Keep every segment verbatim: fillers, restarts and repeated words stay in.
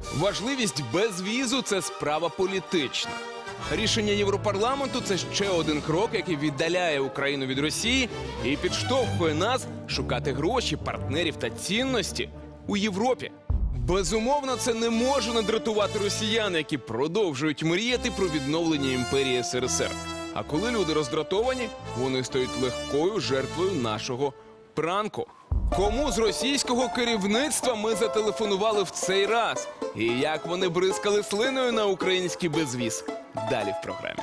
Важливість безвізу – це справа політична. Рішення Європарламенту – це ще один крок, який віддаляє Україну від Росії і підштовхує нас шукати гроші, партнерів та цінності у Європі. Безумовно, це не може не дратувати росіян, які продовжують мріяти про відновлення імперії ес ер ес ер. А коли люди роздратовані, вони стають легкою жертвою нашого пранку. Кому з російського керівництва ми зателефонували в цей раз? І як вони бризкали слиною на український безвіз? Далі в програмі.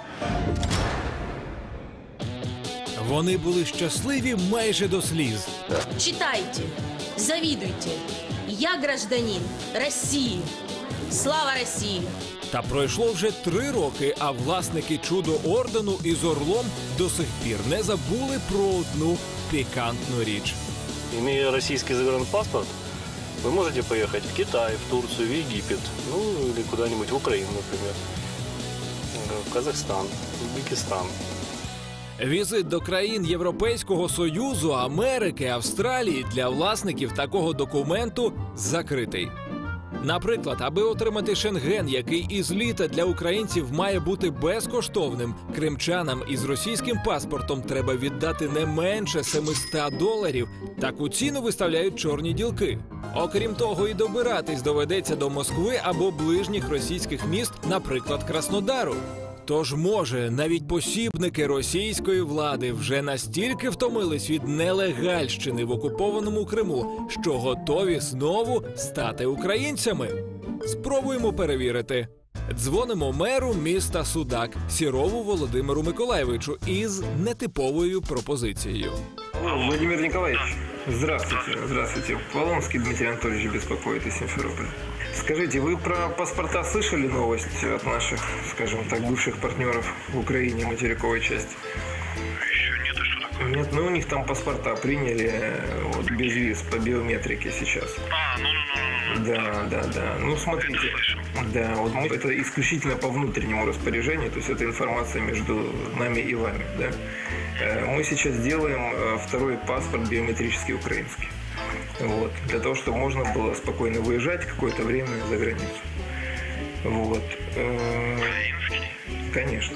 Вони були щасливі майже до сліз. Читайте, завидуйте. Я гражданин Росії. Слава Росії! Та пройшло вже три роки, а власники чудо-ордену із Орлом до сих пір не забули про одну пікантну річ. Имея российский загранпаспорт, вы можете поехать в Китай, в Турцию, в Египет, ну или куда-нибудь в Украину, например, в Казахстан, в Узбекистан. Візит до країн Європейського Союзу, Америки, Австралії для власників такого документу закритий. Наприклад, аби отримати Шенген, який із літа для українців має бути безкоштовним, кримчанам із російським паспортом треба віддати не менше семисот доларів. Таку ціну виставляють чорні ділки. Окрім того, і добиратись доведеться до Москви або ближніх російських міст, наприклад, Краснодару. Тож, може, навіть посібники російської влади вже настільки втомились від нелегальщини в окупованому Криму, що готові знову стати українцями? Спробуємо перевірити. Дзвонимо меру міста Судак Сірову Володимиру Миколайовичу із нетиповою пропозицією. Владимир Николаевич, здравствуйте. Здравствуйте. Полонский Дмитрий Анатольевич беспокоит из Симферополя. Скажите, вы про паспорта слышали новость от наших, скажем так, бывших партнеров в Украине, материковой части? Еще нет, а что такое? Нет, ну у них там паспорта приняли вот, без виз по биометрике сейчас. А, ну, ну, ну, ну. Да, да, да. Ну, смотрите. Это слышал. Да, вот мы, это исключительно по внутреннему распоряжению, то есть это информация между нами и вами, да. Э, Мы сейчас делаем э, второй паспорт биометрический украинский. Вот, для того, чтобы можно было спокойно выезжать какое-то время за границу. Вот. Э, Украинский? Конечно.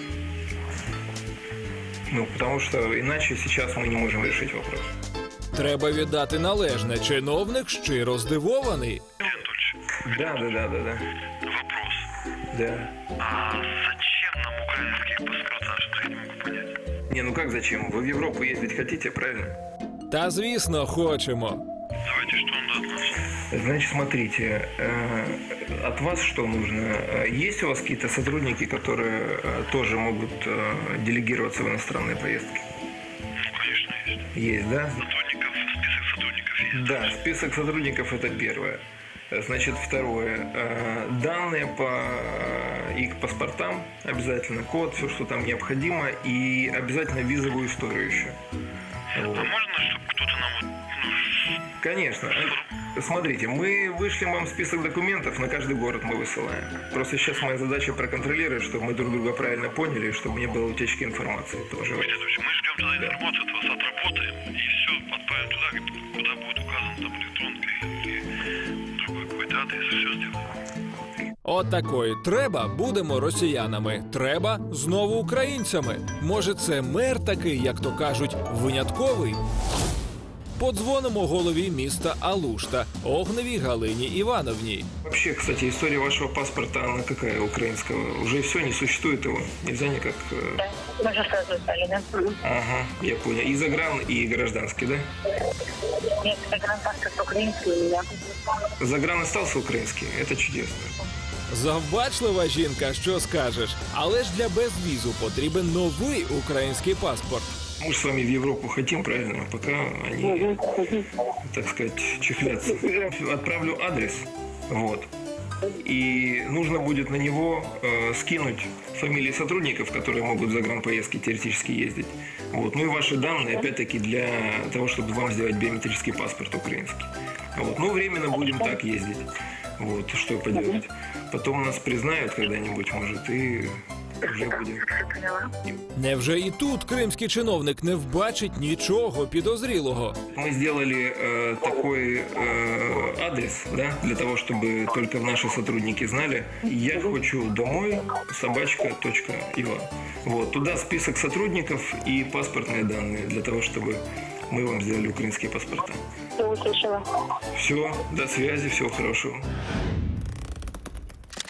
Ну, потому что иначе сейчас мы не можем решить вопрос. Треба віддати належне. Чиновник щиро здивований. Анатольевич, Да, да, да, да, да. вопрос. Да. А зачем нам украинские паспорта? Что-то я не могу понять. Не, ну как зачем? Вы в Европу ездить хотите, правильно? Та, звісно, хочемо. Давайте, что он даст нам? Значит, смотрите, э, от вас что нужно? Э, Есть у вас какие-то сотрудники, которые э, тоже могут э, делегироваться в иностранные поездки? Ну, конечно, есть. Есть, да? Сотрудников, список сотрудников есть. Да, список сотрудников – это первое. Значит, второе. Э, Данные по э, их паспортам обязательно, код, все, что там необходимо, и обязательно визовую историю еще. А Вот. можно, чтобы кто-то нам вот, ну, Конечно. Смотрите, мы вышлем вам список документов, на каждый город мы высылаем. Просто сейчас моя задача проконтролировать, чтобы мы друг друга правильно поняли, чтобы не было утечки информации тоже. Дмитрий Анатольевич, мы ждем тогда информацию от вас, отработаем, и все, отправим туда, куда будет указан там электронка или другой какой-то адрес, и все сделаем. От такої. Треба – будемо росіянами. Треба – знову українцями. Може, це мер такий, як то кажуть, винятковий? Подзвонимо голові міста Алушта, Огневій Галині Івановній. Вообще, кстати, история вашего паспорта, она какая украинского? Уже все, не существует его? Нельзя никак... э, Мы же сразу стали, да? Ага, я понял. И загран, и гражданский, да? Нет, загранпаспорт украинский у меня. Загран остался украинский? Это чудесно. Завбачлива жінка, що скажеш. Але ж для безвізу потрібен новий український паспорт. Мы же с вами в Европу хотим, правильно? Пока они, так сказать, чехлятся. Отправлю адрес, вот. И нужно будет на него э, скинуть фамилии сотрудников, которые могут за загранпоездки теоретически ездить. Вот. Ну и ваши данные, опять-таки, для того, чтобы вам сделать биометрический паспорт украинский. Вот. Ну, временно будем так ездить. Вот. Что поделать. Потом нас признают когда-нибудь, может, и уже будем. Поняла. Невже і тут кримський чиновник не вбачить нічого підозрілого? Мы сделали э, такой э, адрес, да, для того, чтобы только наши сотрудники знали. Я хочу домой собачка точка ива. Вот, туда список сотрудников и паспортные данные, для того, чтобы мы вам сделали украинские паспорта. Все услышала. Все, до связи, всего хорошего.